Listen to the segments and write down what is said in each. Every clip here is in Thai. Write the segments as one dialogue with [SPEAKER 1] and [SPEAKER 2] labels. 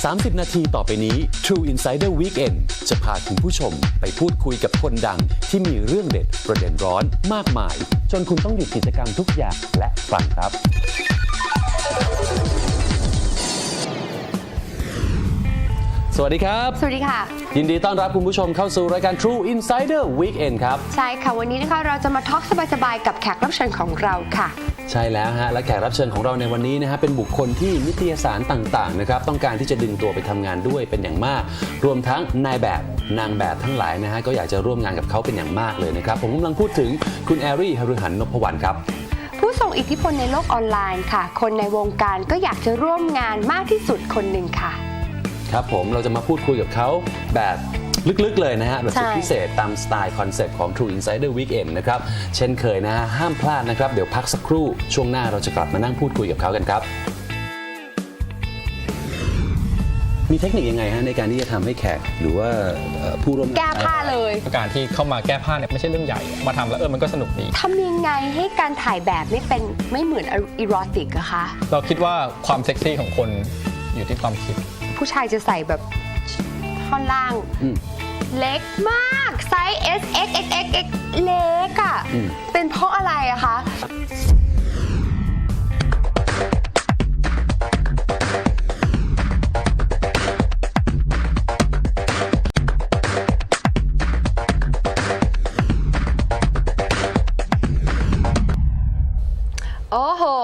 [SPEAKER 1] 30 นาทีต่อไปนี้ True Insider Weekend จะพาคุณผู้ชมไปพูดคุยกับคนดังที่มีเรื่องเด็ดประเด็นร้อนมากมายจนคุณต้องหยุดกิจกรรมทุกอย่างและฟังครับสวัสดีครับ
[SPEAKER 2] สวัสดีค่ะ
[SPEAKER 1] ยินดีต้อนรับคุณผู้ชมเข้าสู่รายการ True Insider Weekend ครับ
[SPEAKER 2] ใช่ค่ะวันนี้นะคะเราจะมาทอล์กสบายๆกับแขกรับเชิญของเราค่ะ
[SPEAKER 1] ใช่แล้วฮะและแขกรับเชิญของเราในวันนี้นะฮะเป็นบุคคลที่นิตยสารต่างๆนะครับต้องการที่จะดึงตัวไปทำงานด้วยเป็นอย่างมากรวมทั้งนายแบบนางแบบทั้งหลายนะฮะก็อยากจะร่วมงานกับเขาเป็นอย่างมากเลยนะครับผมกำลังพูดถึงคุณแอรี่ หฤหัน นพวรรณครับ
[SPEAKER 2] ผู้ทรงอิทธิพลในโลกออนไลน์ค่ะคนในวงการก็อยากจะร่วมงานมากที่สุดคนหนึ่งค่ะ
[SPEAKER 1] ครับผมเราจะมาพูดคุยกับเขาแบบลึกๆเลยนะฮะแบบสุดพิเศษตามสไตล์คอนเซ็ปต์ของ True Insider Weekend นะครับเช่นเคยนะฮะห้ามพลาดนะครับเดี๋ยวพักสักครู่ช่วงหน้าเราจะกลับมานั่งพูดคุยกับเขากันครับมีเทคนิคยังไงฮะในการที่จะทำให้แขกหรือว่าผู้ร่วมงาน
[SPEAKER 2] แก้ผ้าเลย
[SPEAKER 3] การที่เข้ามาแก้ผ้าเนี่ยไม่ใช่เรื่องใหญ่มาทำแล้วมันก็สนุกดี
[SPEAKER 2] ทำยังไงให้การถ่ายแบบไม่เหมือนอีโรติกอะคะ
[SPEAKER 3] เราคิดว่าความเซ็กซี่ของคนอยู่ที่ความคิด
[SPEAKER 2] ผู้ชายจะใส่แบบท่อนล่างเล็กมากไซส์ S X X X X เล็กอะเป็นเพราะอะไรอะคะโอ้โห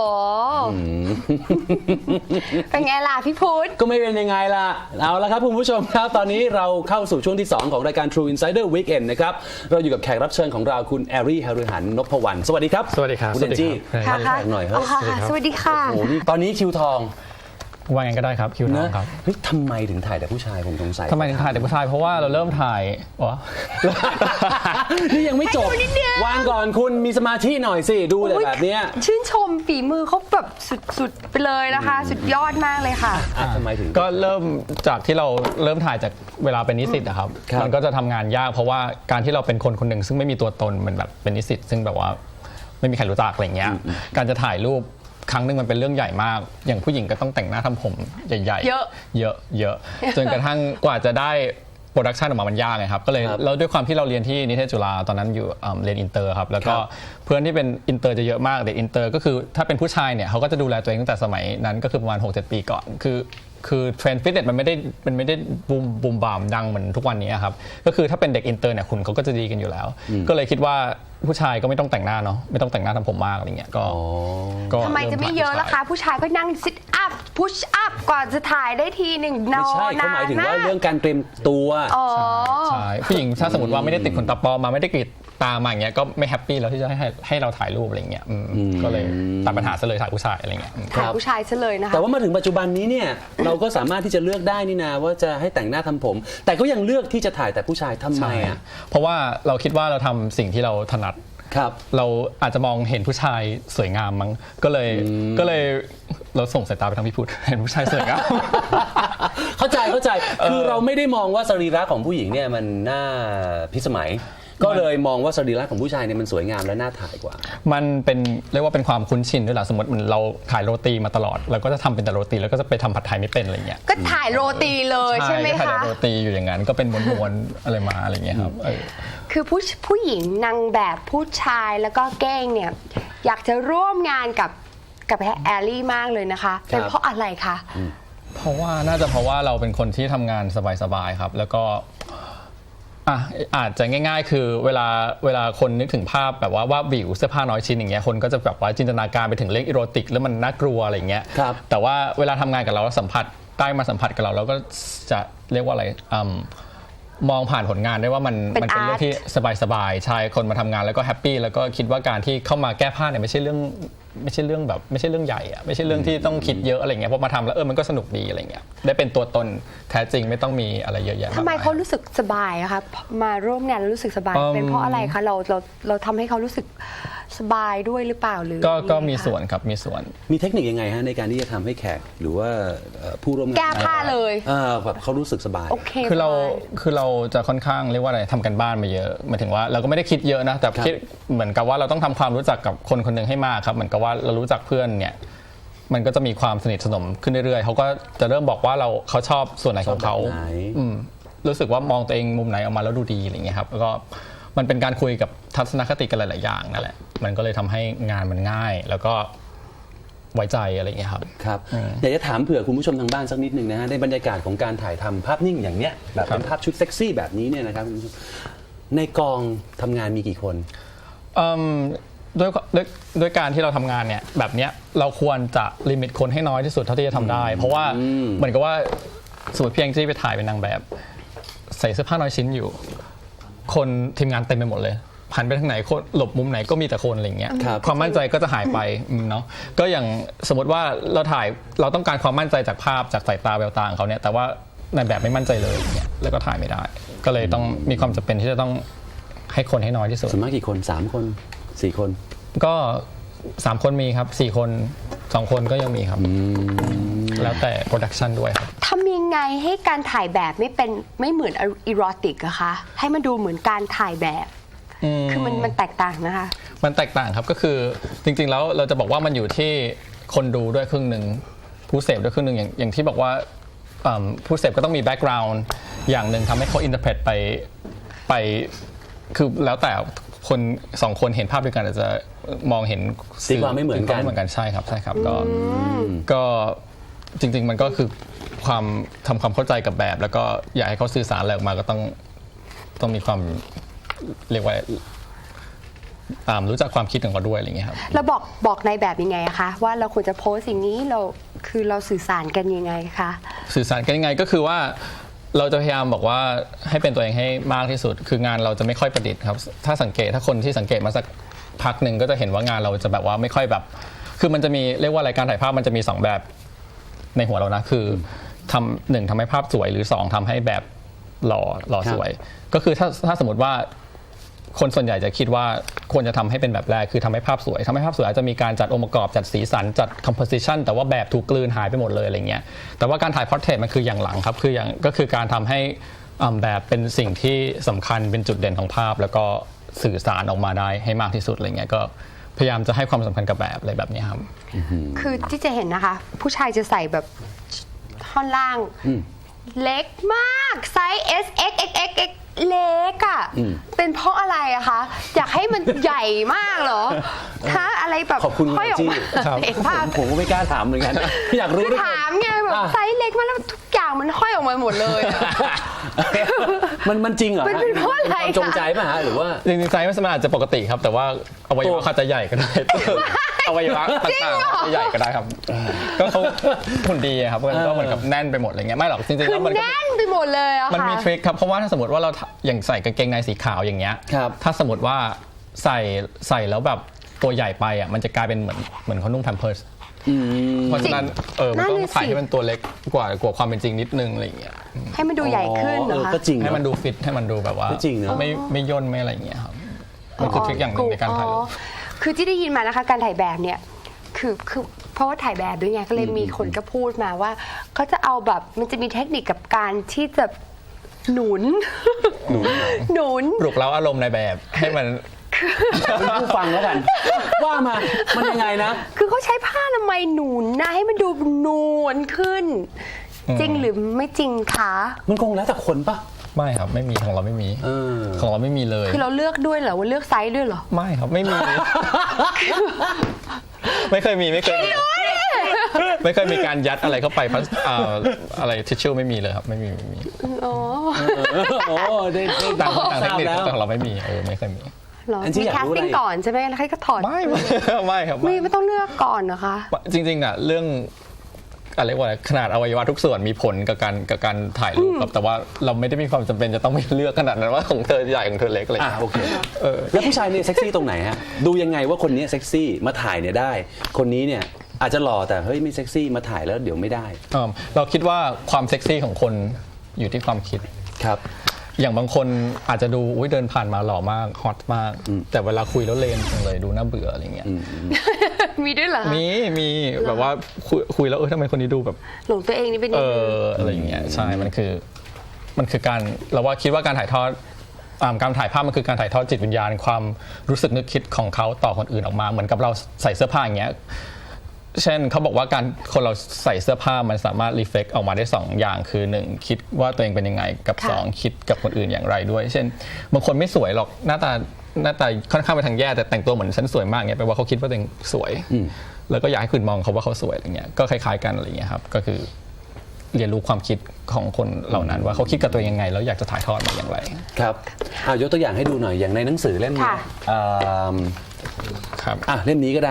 [SPEAKER 2] เป็นไงล่ะพี่พุทธ
[SPEAKER 1] ก็ไม่เป็นยังไงล่ะเอาละครับคุณผู้ชมครับตอนนี้เราเข้าสู่ช่วงที่2ของรายการ True Insider Weekend นะครับเราอยู่กับแขกรับเชิญของเราคุณแอรี่ หฤหัน นพวรรณสวัสดีครับ
[SPEAKER 3] สวัสดีครับ
[SPEAKER 1] คุณเอนจี้
[SPEAKER 2] ค่ะ
[SPEAKER 1] แขกหน่อยครับ
[SPEAKER 2] สวัสดีค่ะ
[SPEAKER 1] โอ้โหตอนนี้คิวทอง
[SPEAKER 3] ว่าไงก็ได้ครับคิวทองครับ
[SPEAKER 1] เฮ้ยทำไมถึงถ่ายแต่ผู้ชายผมสงสัย
[SPEAKER 3] ทำไมถึงถ่ายแต่ผู้ชายเพราะว่าเราเริ่มถ่าย
[SPEAKER 1] นี่ยังไม่จบวางก่อนคุณมีสมาธิหน่อยสิดูแต่แบบนี้
[SPEAKER 2] ชื่นชมฝีมือเขาแบบสุดๆไปเลยนะคะสุดยอดมากเลยค่ะ
[SPEAKER 1] ทำไมถึง
[SPEAKER 3] ก็เริ่มจากที่เราเริ่มถ่ายจากเวลาเป็นนิสิตอะครับมันก็จะทำงานยากเพราะว่าการที่เราเป็นคนคนหนึ่งซึ่งไม่มีตัวตนเหมือนแบบเป็นนิสิตซึ่งแบบว่าไม่มีใครรู้จักอะไรเงี้ยการจะถ่ายรูปครั้งหนึ่งมันเป็นเรื่องใหญ่มากอย่างผู้หญิงก็ต้องแต่งหน้าทำผมใหญ่ๆเยอะจนกระทั่งกว่าจะได้โปรดักชันออกมามันยากไงครับก็เลยแล้วด้วยความที่เราเรียนที่นิเทศจุฬาตอนนั้นอยู่เรียนอินเตอร์ครับแล้วก็เพื่อนที่เป็นอินเตอร์จะเยอะมากเด็กอินเตอร์ก็คือถ้าเป็นผู้ชายเนี่ยเขาก็จะดูแลตัวเองตั้งแต่สมัยนั้นก็คือประมาณ 6-7 ปีก่อนคือเทรนด์ฟิตเนสมันไม่ได้บูมบามดังเหมือนทุกวันนี้ครับก็คือถ้าเป็นเด็กอินเตอร์เนี่ยคุณเขาก็จะดีกันอยู่แล้วก็เลยคิดว่าผู้ชายก็ไม่ต้องแต่งหน้าเนาะไม่ต้องแต่งหน้าทำผมมากอะไรเงี้ยก็
[SPEAKER 2] ทำไมจะไม่เยอะล่ะคะผู้ชายก็นั่งซิทอัพพุชอัพก่อนจะถ่ายได้ทีหนึ่งนอน
[SPEAKER 1] ไม่ใช่เขาหมายถึงว่าเรื่องการเตรียมตัว
[SPEAKER 3] ใช่ผู้หญิงถ้าสมมติว่าไม่ได้ติดขนตาปลอมมาไม่ได้กรีดตามาอย่างเงี้ยก็ไม่แฮปปี้แล้วที่จะให้เราถ่ายรูปอะไรเงี้ยก็เลยตัดปัญหาซะเลยถ่ายผู้ชายอะไรเงี้ย
[SPEAKER 2] ถ่ายผู้ชายซะเลยนะคะ
[SPEAKER 1] แต่ว่ามาถึงปัจจุบันนี้เนี่ยเราก็สามารถที่จะเลือกได้นี่นาว่าจะให้แต่งหน้าทำผมแต่ก็ยังเลือกที่จะถ่ายแต่ผู้ชายทำไมอ่ะ
[SPEAKER 3] เพราะว่าเราคิดว่าเราทำสิ่งที่เราถนัดเราอาจจะมองเห็นผู้ชายสวยงามมั้งก็เลยเราส่งสายตาไปทางพี่พุทธเห็นผู้ชายสวยงาม
[SPEAKER 1] เข้าใจคือเราไม่ได้มองว่าสรีระของผู้หญิงเนี่ยมันน่าพิสมัยก็เลยมองว่าสรีระของผู้ชายเนี่ยมันสวยงามและน่าถ่ายกว่า
[SPEAKER 3] มันเป็นเรียกว่าเป็นความคุ้นชินด้วยแหละสมมติมันเราถ่ายโรตีมาตลอดเราก็จะทำเป็นแต่โรตีแล้วก็จะไปทำผัดไทยไม่เป็นอะไรเงี้ย
[SPEAKER 2] ก็ถ่ายโรตีเลยใช่ไหมคะ
[SPEAKER 3] ถ่ายโรตีอยู่อย่างนั้นก็เป็นม้วนๆอะไรมาอะไรเงี้ยครับ
[SPEAKER 2] คือผู้หญิงนางแบบผู้ชายแล้วก็แก้งเนี่ยอยากจะร่วมงานกับแอลลี่มากเลยนะคะเป็นเพราะอะไรคะ
[SPEAKER 3] เพราะว่าน่าจะเพราะว่าเราเป็นคนที่ทำงานสบายๆครับแล้วก็อาจจะง่ายๆคือเวลาคนนึกถึงภาพแบบว่าวิวเสื้อผ้าน้อยชิ้นอย่างเงี้ยคนก็จะแบบว่าจินตนาการไปถึงเรื่องอีโรติกแล้วมันน่ากลัวอะไรเงี้ยแต่ว่าเวลาทำงานกับเราสัมผัสได้มาสัมผัสกับเราก็จะเรียกว่าอะไรมองผ่านผลงานได้ว่ามันเป็นเรื่องที่สบายๆใช่คนมาทำงานแล้วก็แฮปปี้แล้วก็คิดว่าการที่เข้ามาแก้ผ้าเนี่ยไม่ใช่เรื่องแบบไม่ใช่เรื่องใหญ่อะไม่ใช่เรื่องที่ต้องคิดเยอะอะไรเงี้ยพอมาทำแล้วมันก็สนุกดีอะไรเงี้ยได้เป็นตัวตนแท้จริงไม่ต้องมีอะไรเยอะแยะ
[SPEAKER 2] ทำไมเขารู้สึกสบายอะคะมาร่วมงานแล้วรู้สึกสบายเป็นเพราะอะไรคะเราทำให้เขารู้สึกสบายด้วยหรือเปล่าหรือ
[SPEAKER 3] ก็มีส่วนครับมีส่วน
[SPEAKER 1] มีเทคนิคยังไงฮะในการที่จะทำให้แขกหรือว่าผู้ร่วมงาน
[SPEAKER 2] แก้ผ้าเลย
[SPEAKER 1] แบบเขารู้สึกสบาย
[SPEAKER 3] คือเราจะค่อนข้างเรียกว่าอะไรทำกันบ้านมาเยอะหมายถึงว่าเราก็ไม่ได้คิดเยอะนะแต่คิดเหมือนกับว่าเราต้องทำความรู้จักกับคนคนหนึ่งให้มากครับเหมือนกับว่าเรารู้จักเพื่อนเนี่ยมันก็จะมีความสนิทสนมขึ้นเรื่อยๆเขาก็จะเริ่มบอกว่าเขาชอบส่วนไหนของเขา
[SPEAKER 1] ชอบแบบไหน
[SPEAKER 3] รู้สึกว่ามองตัวเองมุมไหนออกมาแล้วดูดีอะไรเงี้ยครับแล้วก็มันเป็นการคุยกับทัศนคติกันหลายๆอย่างนั่นแหละมันก็เลยทำให้งานมันง่ายแล้วก็ไว้ใจอะไรเงี้ยครับ
[SPEAKER 1] ครับอยากจะถามเผื่อคุณผู้ชมทางบ้านสักนิดหนึ่งนะฮะในบรรยากาศของการถ่ายทำภาพนิ่งอย่างเนี้ยแบบเป็นภาพชุดเซ็กซี่แบบนี้เนี่ยนะครับคุณผู้ชมในกองทำงานมีกี่คน
[SPEAKER 3] ด้วยการที่เราทำงานเนี่ยแบบเนี้ยเราควรจะลิมิตคนให้น้อยที่สุดเท่าที่จะทำได้ เพราะว่าเหมือนกับว่าสมมติเพียงที่ไปถ่ายเป็นนางแบบใส่เสื้อผ้าน้อยชิ้นอยู่ คนทีมงานเต็มไปหมดเลยหันไปทางไหนคนหลบมุมไหนก็มีแต่คนอะไรเงี้ย
[SPEAKER 1] ครับ
[SPEAKER 3] ความมั่นใจก็จะหายไปเนาะก็อย่างสมมติว่าเราต้องการความมั่นใจจากภาพจากสายตาแววตาของเขาเนี่ยแต่ว่านายแบบไม่มั่นใจเลยอย่างเงี้ยแล้วก็ถ่ายไม่ได้ ก็เลยต้องมีความจำเป็นที่จะต้องให้คนให้น้อยที่สุด
[SPEAKER 1] ส่วนมากกี่คน3 คน4 คน
[SPEAKER 3] ก็3 คนมีครับ4 คน2 คนก็ยังมีครับแล้วแต่โปรดักชันด้วยครับ
[SPEAKER 2] ทำยังไงให้การถ่ายแบบไม่เหมือนอีโรติกอะคะให้มันดูเหมือนการถ่ายแบบคือมันแตกต่างนะคะ
[SPEAKER 3] มันแตกต่างครับก็คือจริงๆแล้วเราจะบอกว่ามันอยู่ที่คนดูด้วยครึ่งหนึ่งผู้เสพด้วยครึ่งหนึ่งอย่างที่บอกว่าผู้เสพก็ต้องมีแบ็กกราวน์อย่างหนึ่งทำให้เขาอินเตอร์เพรตไปคือแล้วแต่คน2 คนเห็นภาพด้วยกันอาจจะมองเห็น
[SPEAKER 1] ตีความไม่เหมือนกัน
[SPEAKER 3] ใช่ครับก็จริงๆมันก็คือความทำความเข้าใจกับแบบแล้วก็อยากให้เขาสื่อสารอะไรออกมาก็ต้องมีความเรียกว่ารู้จักความคิดของเขาด้วยอะไรอย่างเงี้ยครับ
[SPEAKER 2] เราบอกในแบบยังไงอะคะว่าเราควรจะโพสสิ่งนี้เราสื่อสารกันยังไงคะ
[SPEAKER 3] สื่อสารกันยังไงก็คือว่าเราจะพยายามบอกว่าให้เป็นตัวเองให้มากที่สุดคืองานเราจะไม่ค่อยประดิษฐ์ครับถ้าคนที่สังเกตมาสักพักหนึ่งก็จะเห็นว่างานเราจะแบบว่าไม่ค่อยแบบคือมันจะมีเรียกว่ารายการถ่ายภาพมันจะมี2 แบบในหัวเรานะคือทำให้ภาพสวยหรือ2ทำให้แบบหล่อสวยก็คือถ้าสมมติว่าคนส่วนใหญ่จะคิดว่าควรจะทำให้เป็นแบบแรกคือทำให้ภาพสวยอาจจะมีการจัดองค์ประกอบจัดสีสันจัด composition แต่ว่าแบบถูกกลืนหายไปหมดเลยอะไรเงี้ยแต่ว่าการถ่าย portrait มันคืออย่างหลังครับก็คือการทำให้แบบเป็นสิ่งที่สำคัญเป็นจุดเด่นของภาพแล้วก็สื่อสารออกมาได้ให้มากที่สุดอะไรเงี้ยก็พยายามจะให้ความสำคัญกับแบบอะไรแบบนี้ครับ
[SPEAKER 2] คือที่จะเห็นนะคะผู้ชายจะใส่แบบท่อนล่างเล็กมากไซส์ S X X X X เล็กอ่ะเป็นเพราะอะไรอะคะอยากให้มันใหญ่มากเหรอถ้าอะไรแบบ
[SPEAKER 1] ขอบคุณ
[SPEAKER 2] ห้อยออกมาเห็นภาพ
[SPEAKER 1] ผมก็ไม่กล้าถามเหมือนกันอยากรู้ด้วย
[SPEAKER 2] ถามไงแบบไซส์เล็กมากแล้วทุกอย่างมันห้อยออกมาหมดเลย
[SPEAKER 1] มันจริงเหรอ
[SPEAKER 2] มันเป็นเพราะอะไร
[SPEAKER 1] จงใจป่ะฮะหรือว่า
[SPEAKER 3] จริงๆไซส์มันอาจจะปกติครับแต่ว่าอวัยวะอาจจะใหญ่ก็ได้อวัยวะต่างๆใหญ่ก็ได้ครับก็เขาหุ่นดีครับก็เหมือนกับแน่นไปหมดอะไรเงี้ยไม่หรอกจริงๆแล้วมัน
[SPEAKER 2] แน่นไปหมดเลยอะค่ะ
[SPEAKER 3] มันมีทริคครับเพราะว่าถ้าสมมติว่าเราอย่างใส่กางเกงในสีขาวอย่างเงี้ยถ้าสมมติว่าใส่แล้วแบบตัวใหญ่ไปอ่ะมันจะกลายเป็นเหมือนเขานุ่งแพมเพิร์สเพราะฉะนั้นมันต้องใส่ให้มันตัวเล็กกว่าความเป็นจริงนิดนึงอะไรอย่างเงี้ย
[SPEAKER 2] ให้มันดูใหญ่ขึ้นเหรอคะ
[SPEAKER 1] ก็จริง
[SPEAKER 3] ให้มันดูฟิตให้มันดูแบบว่าไม่ย่นไม่อะไรอย่างเงี้ยครับมันคือทริคอย่างหนึ่งในการถ่ายรูป
[SPEAKER 2] คือที่ได้ยินมานะคะการถ่ายแบบเนี่ยคือเพราะว่าถ่ายแบบด้วยไงก็เลยมีคนก็พูดมาว่าเขาจะเอาแบบมันจะมีเทคนิคกับการที่จะหนุน
[SPEAKER 3] ปลุกเร้าอารมณ์ในแบบให้มัน
[SPEAKER 1] เป็นผู้ฟังแล้วกันว่ามามันยังไงนะ
[SPEAKER 2] คือเขาใช้ผ้าอนามัยหนุนนะให้มันดูนวลขึ้นจริงหรือไม่จริงคะ
[SPEAKER 1] มันคงแล้วแต่คนปะ
[SPEAKER 3] ไม่ครับไม่มีของเราไม่มีของเราไม่มีเลย
[SPEAKER 2] คือเราเลือกด้วยเหรอว่าเลือกไซส์ด้วยเหรอ
[SPEAKER 3] ไม่ครับไม่มีไม่เคยมีการยัดอะไรเข้าไปอะไรทิชชู่ไม่มีเลยครับไม่มี
[SPEAKER 2] อ๋อ
[SPEAKER 1] ได้
[SPEAKER 3] ต่างเทคนิคแต่ของเราไม่มีไม่เคยมี
[SPEAKER 2] มีแคสติ้งก่อนใช่ไหมแล้วใครก็ถอด
[SPEAKER 3] ไม่ครับ
[SPEAKER 2] ไม่ต้องเลือกก่อนนะคะ
[SPEAKER 3] จริงๆอ่ะเรื่องอะไรว่าขนาดอวัยวะทุกส่วนมีผลกับการถ่ายรูปครับแต่ว่าเราไม่ได้มีความจำเป็นจะต้องไปเลือกขนาดนั้นว่าของเธอใหญ่ของเธอเล็กอะไร
[SPEAKER 1] โอเคแล้วผู้ชายเนี่ยเซ็กซี่ตรงไหนฮะดูยังไงว่าคนนี้เซ็กซี่มาถ่ายเนี่ยได้คนนี้เนี่ยอาจจะหล่อแต่เฮ้ยไม่เซ็กซี่มาถ่ายแล้วเดี๋ยวไม่ได้
[SPEAKER 3] เราคิดว่าความเซ็กซี่ของคนอยู่ที่ความคิด
[SPEAKER 1] ครับ
[SPEAKER 3] อย่างบางคนอาจจะดูเดินผ่านมาหล่อมากฮอตมากแต่เวลาคุยแล้วเลนจังเลยดูน่าเบื่ออะไรเงี้ย
[SPEAKER 2] มีด้วยเหรอ
[SPEAKER 3] มีแบบว่าคุยแล้วทำไมคนนี้ดูแบบ
[SPEAKER 2] หลงตัวเองนี่เป็น
[SPEAKER 3] อะไรอย่างเงี้ยใช่มันคือการเราว่าคิดว่าการถ่ายทอดการถ่ายภาพมันคือการถ่ายทอดจิตวิญญาณความรู้สึกนึกคิดของเขาต่อคนอื่นออกมาเหมือนกับเราใส่เสื้อผ้าอย่างเงี้ยเช่นเขาบอกว่าการคนเราใส่เสื้อผ้ามันสามารถรีเฟล็กออกมาได้2อย่างคือ1คิดว่าตัวเองเป็นยังไงกับ2คิดกับคนอื่นอย่างไรด้วยเช่นบางคนไม่สวยหรอกหน้าตาค่อนข้างไปทางแย่แต่แต่งตัวเหมือนฉันสวยมากเนี่ยแปลว่าเขาคิดว่าตัวเองสวยแล้วก็อยากให้คนมองเขาว่าเขาสวยอะไรเงี้ยก็คล้ายๆกันอะไรเงี้ยครับก็คือเรียนรู้ความคิดของคนเหล่านั้นว่าเขาคิดกับตัวเองยังไงแล้วอยากจะถ่ายทอดมาอย่างไร
[SPEAKER 1] ครับยกตัวอย่างให้ดูหน่อยอย่างในหนังสือเล่มนี้
[SPEAKER 3] ครับ
[SPEAKER 1] เล่มนี้ก็ได้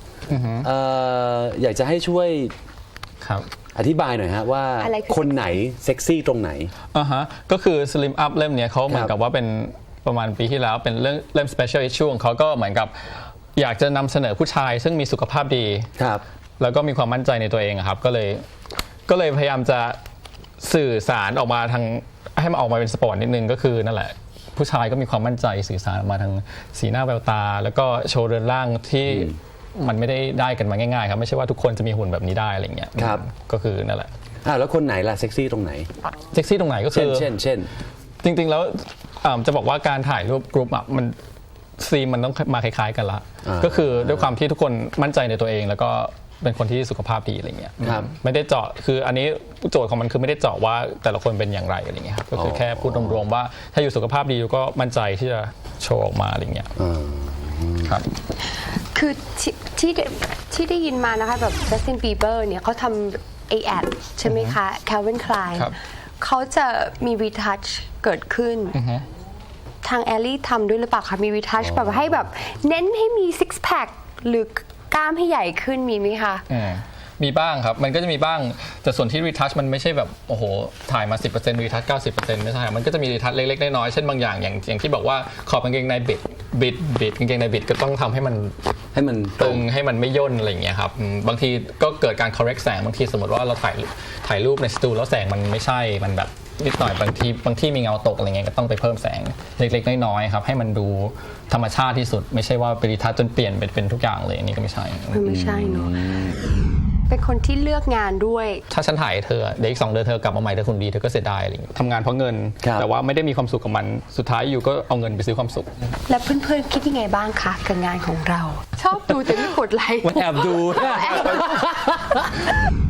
[SPEAKER 1] อยากจะให้ช่วยอธิบายหน่อยฮะว่าคนไหนเซ็กซี่ตรงไหน
[SPEAKER 3] ก็คือ Slim Up เล่มนี้เขาเหมือนกับว่าเป็นประมาณปีที่แล้วเป็นเล่ม Special Issue ของเขาก็เหมือนกับอยากจะนำเสนอผู้ชายซึ่งมีสุขภาพดีแล้วก็มีความมั่นใจในตัวเองครับก็เลยพยายามจะสื่อสารออกมาทางให้มันออกมาเป็นสปอร์ตนิดนึงก็คือนั่นแหละผู้ชายก็มีความมั่นใจสื่อสารออกมาทางสีหน้าแววตาแล้วก็โชว์เรือนร่างที่มันไม่ได้กันมาง่ายๆครับไม่ใช่ว่าทุกคนจะมีหุ่นแบบนี้ได้อะไรเงี้ยก็คือนั่นแหละ
[SPEAKER 1] แล้วคนไหนล่ะเซ็กซี่ตรงไหน
[SPEAKER 3] เซ็กซี่ตรงไหนก็คือ
[SPEAKER 1] เช่น
[SPEAKER 3] จริงๆแล้วจะบอกว่าการถ่ายรูปกรุ๊ปมันซีนมันต้องมาคล้ายๆกันละก็คือด้วยความที่ทุกคนมั่นใจในตัวเองแล้วก็เป็นคนที่สุขภาพดีอะไรเงี้ยไม่ได้เจาะคืออันนี้โจทย์ของมันคือไม่ได้เจาะว่าแต่ละคนเป็นอย่างไรอะไรเงี้ยครับก็คือแค่พูดรวมๆว่าถ้าอยู่สุขภาพดีก็มั่นใจที่จะโชว์ออกมาอะไรเงี้ยครับ
[SPEAKER 2] คือที่ได้ยินมานะคะแบบจัสตินบีเบอร์เนี่ยเขาทำแอดใช่ไหมคะ Calvin Klein เขาจะมีรีทัชเกิดขึ้นทางแอลลี่ทำด้วยหรือเปล่าคะมีรีทัชแบบให้แบบเน้นให้มีซิกแพคหรือกล้ามให้ใหญ่ขึ้นมีไหมคะ
[SPEAKER 3] มีบ้างครับมันก็จะมีบ้างแต่ส่วนที่รีทัชมันไม่ใช่แบบโอ้โหถ่ายมา 10% รีทัช 90% ไม่ใช่มันก็จะมีรีทัชเล็กๆน้อยๆเช่นบางอย่างที่บอกว่าขอบกางเกงในบิดกางเกงในบิดก็ต้องทำให้มันตึงให้มันไม่ย่นอะไรอย่างเงี้ยครับบางทีก็เกิดการ correct แสงบางทีสมมติว่าเราถ่ายรูปในสตูแล้วแสงมันไม่ใช่มันแบบนิดหน่อยบางที่มีเงาตกอะไรเงี้ยก็ต้องไปเพิ่มแสงเล็กๆน้อยๆครับให้มันดูธรรมชาติที่สุดไม่ใช่ว่าไปรีทัชจนเปลี่ยนเป็นทุกอย่างเลยอันนี้ก็ไม่ใช่เ
[SPEAKER 2] นาะเป็นคนที่เลือกงานด้วย
[SPEAKER 3] ถ้าฉันถ่ายเธอเดี๋ยวอีก2 เดือนเธอกลับมาใหม่เธอคุณดีเธอก็เสียดายอะไรอย่างเงี้ยทำงานเพราะเงินแต่ว่าไม่ได้มีความสุขกับมันสุดท้ายอยู่ก็เอาเงินไปซื้อความสุข
[SPEAKER 2] และเพื่อนๆคิดยังไงบ้างคะกับงานของเราชอบดูแต่ไม่กดไลค์
[SPEAKER 3] มันแอบดู